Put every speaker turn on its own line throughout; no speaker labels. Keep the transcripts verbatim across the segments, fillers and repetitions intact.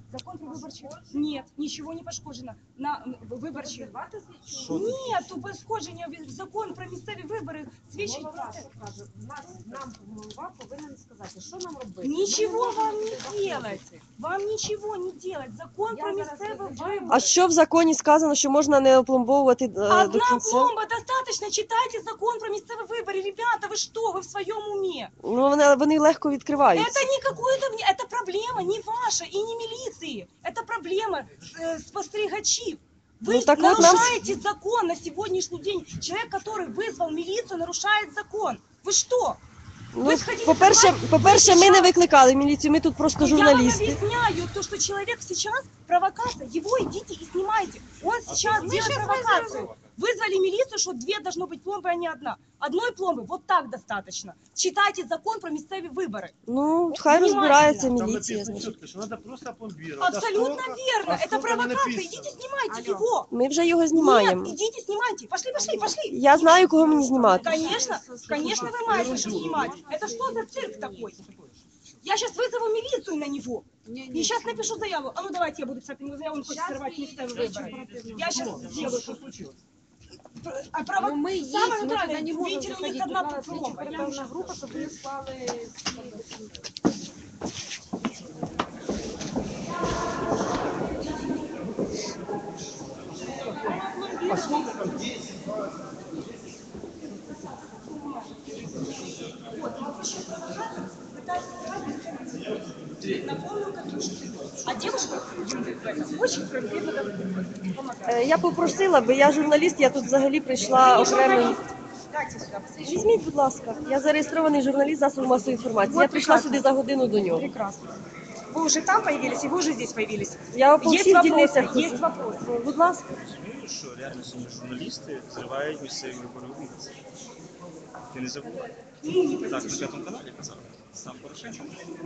Закон про виборчі. Нет, нічого не пошкоджено. На виборчі. Нету пошкодження. Закон про місцеві вибори свідчить про це.
Нам голова повинен сказати, що нам робити.
Ничего вам не делать. Вам ничего не делать. Закон про місцеві вибори.
А що в законі сказано, що можна не опломбовувати е, до
Одна
кінця?
пломба достаточно. Читайте закон про місцеві вибори. Ребята, ви що? Ви в своєму умі?
Ну, вони, вони легко відкриваються.
Это не какое-то, это проблема не ваша и не милиции. Это проблема э, спостерегачей. Вы
Ну, так вот нам-
нарушаете закон на сегодняшний день. Человек, который вызвал милицию, нарушает закон. Вы что?
Ну,
Ви сходіть
по-перше,
давайте,
по-перше,
ви
ми не
зараз-
викликали міліцію, ми тут просто журналісти.
Я вам объясняю, то, что человек сейчас провокация, его идите и снимайте. Он сейчас делает провокацию. Вызвали милицию, что две должно быть пломбы, а не одна. Одной пломбы вот так достаточно. Читайте закон про местные выборы.
Ну, хай
Внимательно.
розбирається
Там
міліція,
написано
значить.
четко, что надо просто опломбировать.
Абсолютно
А сколько-
верно.
а
Это
сколько не
провокация.
написано?
Идите снимайте
Алло.
его.
Ми вже його знімаємо.
Нет, идите снимайте. Пошли, пошли, пошли.
Я знаю, кого мені знімати.
Конечно, конечно вы маете что снимать. Это что за цирк такой? Я сейчас вызову милицию на него.
Ні,
И сейчас напишу заяву. А ну давайте я буду писать на него заяву, он хочет сорвать местные выборы. Я сейчас сделаю. А право...
Ну, ми є,
Самое
ми туди
натуральное,
не можемо
видите, у них
заходити.
одна
Була слідча
пломба. Я
оперативна група, щоб вони склали всі.
А сколько там?
На полную катушку. А девушка очень конкретно помогает.
Е, Я попросила би, я журналіст, я тут взагалі прийшла окремо.
Дайте сюда, посмотрите.
Візьміть, будь ласка, я зареєстрований журналіст засобу масової інформації.
Вот
Я прийшла
прекрасно.
сюди за годину до нього.
Прекрасно. Вы уже там появились, и вы уже здесь появились.
Я по
Есть
всіх
вопросы,
дільницях.
есть вопросы.
Будь ласка.
Ну що, реально сьогодні журналісти зривають місцеві вибори у Вінниці. Ти не забувай.
Ну, не
Так, на
подождите.
п'ятому каналі казав. Сам Порошенко.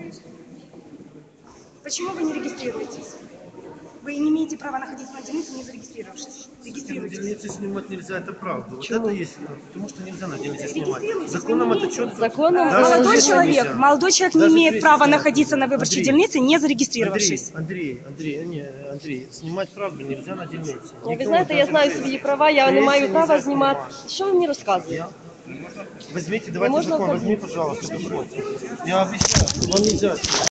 Почему вы не регистрируетесь? Вы не имеете права находиться на дельнице, не зарегистрировавшись.
На
Регистрируйтесь.
дельнице снимать нельзя, это правда. Вот
Почему?
это есть, потому что нельзя на дельнице снимать.
Регистрируйтесь,
Законом
вы не
это
имеете.
четко.
Законом
Э,
Даже
Молодой
если
человек,
нельзя.
молодой человек не
Даже
имеет
если
права
нельзя.
находиться на выборчей
Андрей,
дельнице, не
Андрей,
зарегистрировавшись.
Андрей, Андрей, не, Андрей, снимать правду нельзя на дельнице.
Ви
Никого,
знаєте, я
даже
знаю
прессе.
свої права, я не
Прессе
маю
нельзя
права
снимать.
знімати. Що ви мені розказуєте?
Я? Возьмите, давайте
можно
закон,
оформить?
возьми, пожалуйста, документ. Я объясняю, вам нельзя.